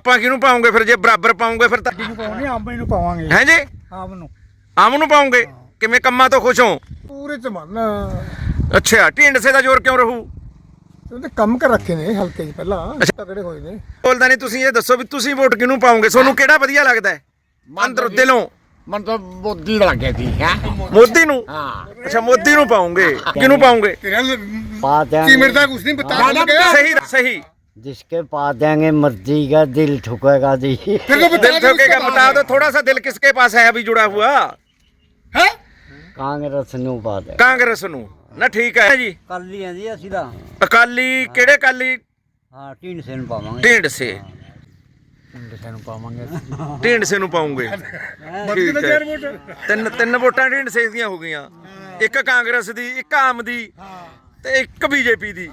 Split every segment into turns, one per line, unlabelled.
ਆਪਾਂ ਕਿਹਨੂੰ ਪਾਉਂਗੇ ਫਿਰ? ਜੇ ਬਰਾਬਰ ਪਾਉਂਗੇ ਫਿਰ ਤਾਂ
ਆਮ ਨੂੰ ਪਾਵਾਂਗੇ।
ਹੈ ਜੀ, ਆਮ ਨੂੰ ਪਾਉਂਗੇ। ਕਿਵੇਂ ਕੰਮਾਂ ਤੋਂ ਖੁਸ਼ ਹੋ?
ਪੂਰੇ ਚ ਮੰਨ
ਅੱਛਾ, ਢੀਂਡਸੇ ਦਾ ਜ਼ੋਰ ਕਿਉਂ ਰਹੂ?
ਉਹਦੇ ਕੰਮ ਕਰ ਰੱਖੇ ਨੇ ਹਲਕੇ ਚ ਪਹਿਲਾਂ ਤਕੜੇ ਹੋਏ ਨੇ।
ਬੋਲਦਾ ਨਹੀਂ। ਤੁਸੀਂ ਇਹ ਦੱਸੋ ਵੀ ਤੁਸੀਂ ਵੋਟ ਕਿਹਨੂੰ ਪਾਉਂਗੇ? ਤੁਹਾਨੂੰ ਕਿਹੜਾ ਵਧੀਆ ਲੱਗਦਾ ਹੈ ਅੰਦਰੋਂ ਦਿਲੋਂ?
ਮਨ ਤਾਂ ਮੋਦੀ ਲੱਗ ਗਿਆ ਸੀ ਹੈ।
ਮੋਦੀ ਨੂੰ?
ਹਾਂ।
ਅੱਛਾ, ਮੋਦੀ ਨੂੰ ਪਾਉਂਗੇ। ਕਿਹਨੂੰ ਪਾਉਂਗੇ?
पा देंगे
ਕੀਮਤ ਦਾ ਕੁਝ ਨਹੀਂ ਪਤਾ
ਸਹੀ ਸਹੀ।
जिसके पा देंगे मर्जी का दिल ठुकेगा जी।
फिर तो
दिल ठोकेगा। बता दो थोड़ा सा, दिल किसके पास है अभी जुड़ा हुआ?
है
कांग्रेस नु पा देंगे।
ਕਾਂਗਰਸ ਨੂੰ ਨਾ। ਠੀਕ ਹੈ ਜੀ।
काली है जी असि दा।
ਅਕਾਲੀ ਕਿਹੜੇ ਅਕਾਲੀ?
हां टीन से नु पावांगे।
ਢੀਂਡਸੇ।
टीन से नु पावांगे।
ਢੀਂਡਸੇ ਨੂੰ ਪਾਉਂਗੇ। ਠੀਕ ਹੈ। ਤਿੰਨ ਵੋਟਾਂ ਢੀਂਡਸੇ ਦੀਆਂ ਹੋ ਗਈਆਂ। ਇੱਕ ਕਾਂਗਰਸ ਦੀ, ਇੱਕ ਆਮ ਦੀ ਤੇ ਇੱਕ ਬੀਜੇਪੀ ਦੀ।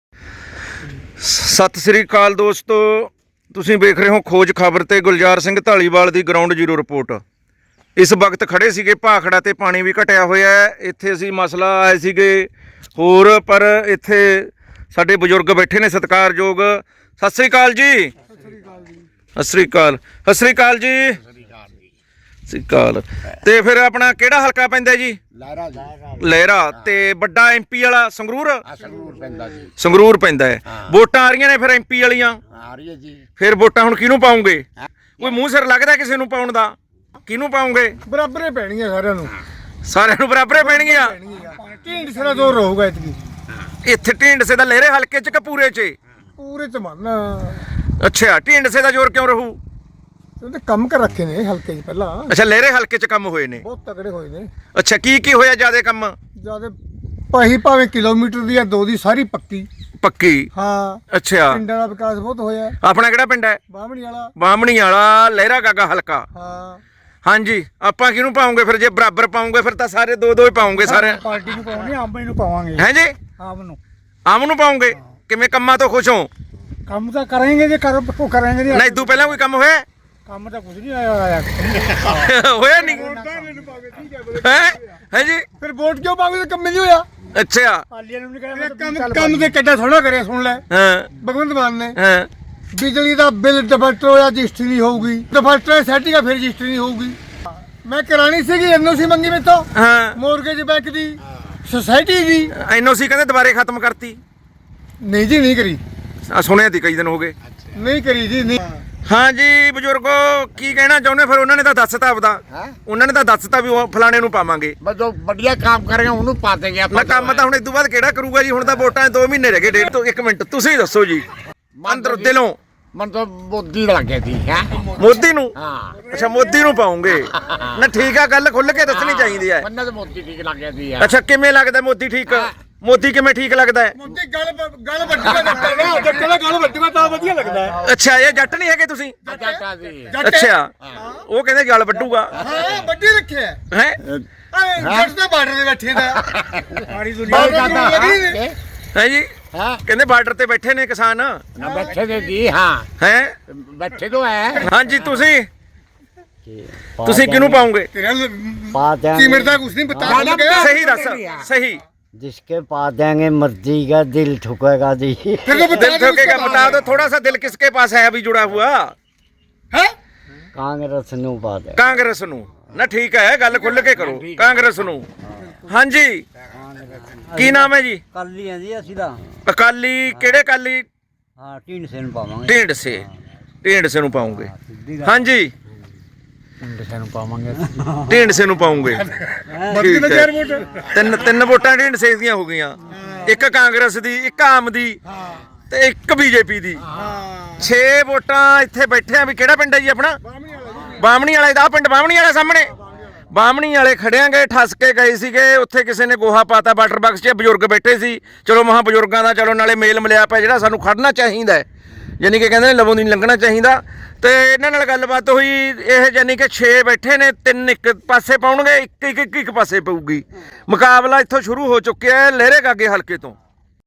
ਸਤਿ ਸ੍ਰੀ ਅਕਾਲ ਦੋਸਤੋ, ਤੁਸੀਂ ਵੇਖ ਰਹੇ ਹੋ ਖੋਜ ਖਬਰ ਤੇ ਗੁਲਜ਼ਾਰ ਸਿੰਘ ਢਾਲੀਵਾਲ ਦੀ ਗਰਾਊਂਡ ਜ਼ੀਰੋ ਰਿਪੋਰਟ। ਇਸ ਵਕਤ ਖੜੇ ਸੀਗੇ ਭਾਖੜਾ ਤੇ ਪਾਣੀ ਵੀ ਘਟਿਆ ਹੋਇਆ ਹੈ। ਇੱਥੇ ਅਸੀਂ ਮਸਲਾ ਆਏ ਸੀਗੇ ਹੋਰ, ਪਰ ਇੱਥੇ ਸਾਡੇ ਬਜ਼ੁਰਗ ਬੈਠੇ ਨੇ ਸਤਿਕਾਰਯੋਗ। ਸਤਿ ਸ੍ਰੀ ਅਕਾਲ ਜੀ। ਸਤਿ ਸ੍ਰੀ ਅਕਾਲ। ਸਤਿ ਸ੍ਰੀ ਅਕਾਲ ਜੀ। ਸਤਿ ਸ੍ਰੀ ਅਕਾਲ। ਤੇ ਫਿਰ ਆਪਣਾ ਕਿਹੜਾ ਹਲਕਾ ਪੈਂਦਾ ਜੀ?
ਲਹਿਰਾ ਜੀ।
ਲਹਿਰਾ। ਤੇ ਵੱਡਾ ਐਮਪੀ ਵਾਲਾ ਸੰਗਰੂਰ?
ਸੰਗਰੂਰ ਪੈਂਦਾ ਜੀ।
ਸੰਗਰੂਰ ਪੈਂਦਾ ਹੈ। ਵੋਟਾਂ ਆ ਰਹੀਆਂ ਨੇ ਫਿਰ ਐਮਪੀ ਵਾਲੀਆਂ।
ਆ ਰਹੀ ਹੈ ਜੀ।
ਫਿਰ ਵੋਟਾਂ ਹੁਣ ਕਿਹਨੂੰ ਪਾਉਂਗੇ? ਕੋਈ ਮੂੰਹ ਸਿਰ ਲੱਗਦਾ ਕਿਸੇ ਨੂੰ ਪਾਉਣ ਦਾ? ਕਿਹਨੂੰ ਪਾਉਂਗੇ?
ਬਰਾਬਰੇ ਪੈਣੀਆਂ ਸਾਰਿਆਂ ਨੂੰ।
ਸਾਰਿਆਂ ਨੂੰ ਬਰਾਬਰੇ ਪੈਣਗੀਆਂ।
ਢੀਂਡ ਸਿਰਾ ਜ਼ੋਰ ਰਹੂਗਾ ਇਤਕੀ।
ਇੱਥੇ ਢੀਂਡਸੇ ਦਾ ਲਹਿਰੇ ਹਲਕੇ 'ਚ ਕਿ ਪੂਰੇ 'ਚ?
ਪੂਰੇ ਚ ਮੰਨ
ਅੱਛਾ, ਢੀਂਡਸੇ ਦਾ ਜ਼ੋਰ ਕਿਉਂ ਰਹੂ?
ਉਹਦੇ ਕੰਮ ਕਰ ਰੱਖੇ ਨੇ ਹਲਕੇ ਚ ਪਹਿਲਾਂ
ਅੱਛਾ, ਲਹਿਰੇ ਹਲਕੇ 'ਚ ਕੰਮ ਹੋਏ ਨੇ।
ਬਹੁਤ ਤਕੜੇ ਹੋਏ ਨੇ।
ਅੱਛਾ, ਕੀ ਹੋਇਆ ਜਿਆਦੇ ਕੰਮ?
ਜਿਆਦਾ ਭਾਵੇਂ ਕਿਲੋਮੀਟਰ ਦੀ ਜਾਂ 2 ਦੀ ਸਾਰੀ ਪੱਕੀ।
ਪੱਕੀ?
ਹਾਂ।
ਅੱਛਾ।
ਪਿੰਡਾਂ ਦਾ ਵਿਕਾਸ ਬਹੁਤ ਹੋਇਆ।
ਆਪਣਾ ਕਿਹੜਾ ਪਿੰਡ ਹੈ?
ਬਾਹਮਣੀ ਵਾਲਾ।
ਬਾਹਮਣੀ ਵਾਲਾ ਲਹਿਰਾ ਗਾਗਾ ਹਲਕਾ।
ਹਾਂ।
ਹਾਂਜੀ, ਆਪਾਂ ਕਿਹਨੂੰ ਪਾਉਂਗੇ ਫਿਰ? ਜੇ ਬਰਾਬਰ ਪਾਉਂਗੇ ਫਿਰ ਤਾਂ ਸਾਰੇ ਦੋ ਹੀ ਪਾਉਂਗੇ ਸਾਰੇ।
ਪਾਰਟੀ ਨੂੰ ਪਾਉਣੀ, ਆਮ ਨੂੰ ਪਾਵਾਂਗੇ।
ਹੈ ਜੀ,
ਆਮ ਨੂੰ।
ਆਮ ਨੂੰ ਪਾਉਂਗੇ। ਕਿਵੇਂ ਕੰਮਾਂ ਤੋਂ ਖੁਸ਼ ਹੋ?
ਕੰਮ ਤਾਂ ਕਰਾਂਗੇ ਜੇ ਕਰਾਂਗੇ
ਨਹੀਂ ਇਦੋਂ ਪਹਿਲਾਂ ਕੋਈ ਕੰਮ ਹੋਇਆ?
ਕੰਮ ਤਾਂ ਕੁਝ ਨਹੀਂ ਆਇਆ।
ਹੋਇਆ ਨਹੀਂ ਹੈ ਜੀ?
ਫਿਰ ਵੋਟ ਕਿਉਂ ਪਾਵੇ? ਕੰਮ ਨਹੀਂ ਹੋਇਆ।
ਅੱਛਾ।
ਪਾਲੀਆਂ ਨੂੰ ਨਹੀਂ ਕਰਿਆ ਕੰਮ ਤੇ ਕਿੱਡਾ ਥੋੜਾ ਕਰਿਆ। ਸੁਣ ਲੈ
ਹਾਂ
ਭਗਵੰਤ ਮਾਨ ਨੇ।
ਹਾਂ।
ਬਿਜਲੀ ਦਾ ਬਿੱਲ ਡਿਫਾਲਟਰ ਹੋਇਆ, ਰਜਿਸਟਰੀ ਨਹੀਂ ਹੋਊਗੀ। ਡਿਫਾਲਟਰ ਸੈਟਿੰਗ ਫਿਰ ਰਜਿਸਟਰੀ ਨਹੀਂ ਹੋਊਗੀ। ਮੈਂ ਕਰਾਣੀ ਸੀਗੀ ਐਨਓਸੀ ਮੰਗੀ ਮੇਤੋਂ।
ਹਾਂ।
ਮੋਰਗੇਜ ਬੈਂਕ ਦੀ, ਸੁਸਾਇਟੀ ਦੀ।
ਐਨਓਸੀ ਕਹਿੰਦੇ ਦੁਬਾਰੇ ਖਤਮ ਕਰਤੀ।
ਨਹੀਂ ਜੀ, ਨਹੀਂ ਕਰੀ।
ਆ ਸੁਣਿਆ ਤੀ ਕਈ ਦਿਨ ਹੋ ਗਏ।
ਨਹੀਂ ਕਰੀ ਜੀ, ਨਹੀਂ।
ਹਾਂ ਜੀ ਬਜ਼ੁਰਗੋ, ਕੀ ਕਹਿਣਾ ਚਾਹੁੰਦੇ? ਫਿਰ ਉਹਨਾਂ ਨੇ ਤਾਂ ਦੱਸਤਾ ਆਪਦਾ। ਉਹਨਾਂ ਨੇ ਤਾਂ ਦੱਸਤਾ ਵੀ ਉਹ ਫਲਾਣੇ ਨੂੰ ਪਾਵਾਂਗੇ।
ਬਸ ਜੋ ਵਧੀਆ ਕੰਮ ਕਰੇਗਾ ਉਹਨੂੰ ਪਾ ਦੇਂਗੇ
ਨਾ ਕੰਮ ਤਾਂ ਹੁਣ ਇਸ ਤੋਂ ਬਾਅਦ ਕਿਹੜਾ ਕਰੂਗਾ ਜੀ? ਹੁਣ ਤਾਂ ਵੋਟਾਂ 2 ਮਹੀਨੇ ਰਹਿ ਗਏ, ਡੇਢ ਤੋਂ। ਇੱਕ ਮਿੰਟ, ਤੁਸੀਂ ਦੱਸੋ ਜੀ ਅੰਦਰੋਂ ਦਿਲੋਂ।
ਮਨ ਤਾਂ ਮੋਦੀ ਲੱਗ ਗਿਆ ਸੀ ਹੈ।
ਮੋਦੀ ਨੂੰ?
ਹਾਂ।
ਅੱਛਾ, ਮੋਦੀ ਨੂੰ ਪਾਉਂਗੇ ਨਾ। ਠੀਕ ਆ, ਗੱਲ ਖੁੱਲ ਕੇ ਦੱਸਣੀ ਚਾਹੀਦੀ ਹੈ।
ਮੰਨਾ ਤਾਂ ਮੋਦੀ ਠੀਕ ਲੱਗ ਗਿਆ ਸੀ।
ਅੱਛਾ, ਕਿਵੇਂ ਲੱਗਦਾ ਮੋਦੀ ਠੀਕ? ਮੋਦੀ ਕਿਵੇਂ ਠੀਕ ਲੱਗਦਾ ਹੈ?
ਮੁੰਡੀ ਗੱਲ ਵੱਡੀਗਾ ਜੱਟ ਦਾ ਗੱਲ ਵੱਡੀਗਾ ਤਾਂ ਵਧੀਆ ਲੱਗਦਾ ਹੈ।
ਅੱਛਾ, ਇਹ ਜੱਟ ਨਹੀਂ ਹੈਗੇ ਤੁਸੀਂ?
ਜੱਟਾ ਸੀ।
ਅੱਛਾ, ਉਹ ਕਹਿੰਦੇ ਗਲ ਵੱਡੂਗਾ।
ਹਾਂ, ਵੱਡੀ ਰੱਖਿਆ
ਹੈ।
ਜੱਟ ਦੇ ਬਾਰਡਰ ਤੇ ਬੈਠੇ ਦਾ ਸਾਰੀ
ਬਹੁਤ ਜ਼ਿਆਦਾ
ਹੈ ਜੀ,
ਹਾਂ।
ਕਹਿੰਦੇ ਬਾਰਡਰ ਤੇ ਬੈਠੇ ਨੇ ਕਿਸਾਨ।
ਨਾ ਬੈਠੇ ਦੇ ਜੀ। ਹਾਂ,
ਹੈ।
ਬੈਠੇ ਤੋਂ ਹੈ।
ਹਾਂਜੀ, ਤੁਸੀਂ ਕਿਹਨੂੰ ਪਾਉਂਗੇ?
ਤੇਰਾ
पा देंगे
ਕੀਮਤ ਦਾ ਕੁਝ ਨਹੀਂ ਪਤਾ।
ਸਹੀ ਦੱਸ। ਸਹੀ।
जिसके पा देंगे मर्जी का दिल ठुकेगा जी।
फिर तो
दिल ठोकेगा। बता दो थोड़ा सा, दिल किसके पास है अभी जुड़ा हुआ?
है
कांग्रेस नु पा देंगे।
ਕਾਂਗਰਸ ਨੂੰ ਨਾ। ਠੀਕ ਹੈ, ਗੱਲ ਖੁੱਲ ਕੇ ਕਰੋ। ਕਾਂਗਰਸ ਨੂੰ। ਹਾਂਜੀ, ਕੀ ਨਾਮ ਹੈ ਜੀ?
काली है जी असि दा।
ਅਕਾਲੀ ਕਿਹੜੇ ਅਕਾਲੀ?
हां टीन से नु पावांगे।
ਢੀਂਡਸੇ ਨੂੰ ਪਾਉਂਗੇ। ਹਾਂਜੀ,
टीन से नु पावांगे।
ਢੀਂਡਸੇ ਨੂੰ ਪਾਉਂਗੇ।
ਬੱਤੀ ਦੇ 4 ਵੋਟ।
ਤਿੰਨ ਵੋਟਾਂ ਢੀਂਡਸੇ ਦੀਆਂ ਹੋ ਗਈਆਂ। ਇੱਕ ਕਾਂਗਰਸ ਦੀ, ਇੱਕ ਆਮ ਦੀ ਤੇ ਇੱਕ ਬੀਜੇਪੀ ਦੀ। 6 ਵੋਟਾਂ ਇੱਥੇ ਬੈਠੇ ਆ। ਵੀ ਕਿਹੜਾ ਪਿੰਡ ਹੈ ਜੀ ਆਪਣਾ? ਬਾਹਮਣੀ ਵਾਲਾ ਦਾ ਪਿੰਡ। ਬਾਹਮਣੀ ਵਾਲਾ ਸਾਹਮਣੇ। ਬਾਹਮਣੀ ਵਾਲੇ ਖੜਿਆਂਗੇ, ਠੱਸ ਕੇ ਗਏ ਸੀਗੇ। ਉੱਥੇ ਕਿਸੇ ਨੇ ਗੋਹਾ ਪਾਤਾ ਵਾਟਰ ਬਾਕਸ 'ਚ। ਬਜ਼ੁਰਗ ਬੈਠੇ ਸੀ। ਚਲੋ ਮਹਾਂ ਬਜ਼ੁਰਗਾਂ ਦਾ ਚਲੋ ਨਾਲੇ ਮੇਲ ਮਿਲਿਆ ਪਿਆ, ਜਿਹੜਾ ਸਾਨੂੰ ਖੜਨਾ ਚਾਹੀਦਾ ਹੈ। ਯਾਨੀ ਕਿ ਕਹਿੰਦੇ ਨੇ ਲਵੋਂ ਦੀ ਨਹੀਂ ਲੰਘਣਾ ਚਾਹੀਦਾ। ਤੇ ਇਹਨਾਂ ਨਾਲ ਗੱਲਬਾਤ ਹੋਈ। ਇਹ ਯਾਨੀ ਕਿ 6 ਬੈਠੇ ਨੇ, 3 ਇੱਕ ਪਾਸੇ ਪਾਉਣਗੇ, ਇੱਕ ਪਾਸੇ ਪਊਗੀ। ਮੁਕਾਬਲਾ ਇੱਥੋਂ ਸ਼ੁਰੂ ਹੋ ਚੁੱਕਿਆ ਹੈ ਲਹਿਰੇ ਗਾਗੇ ਹਲਕੇ ਤੋਂ।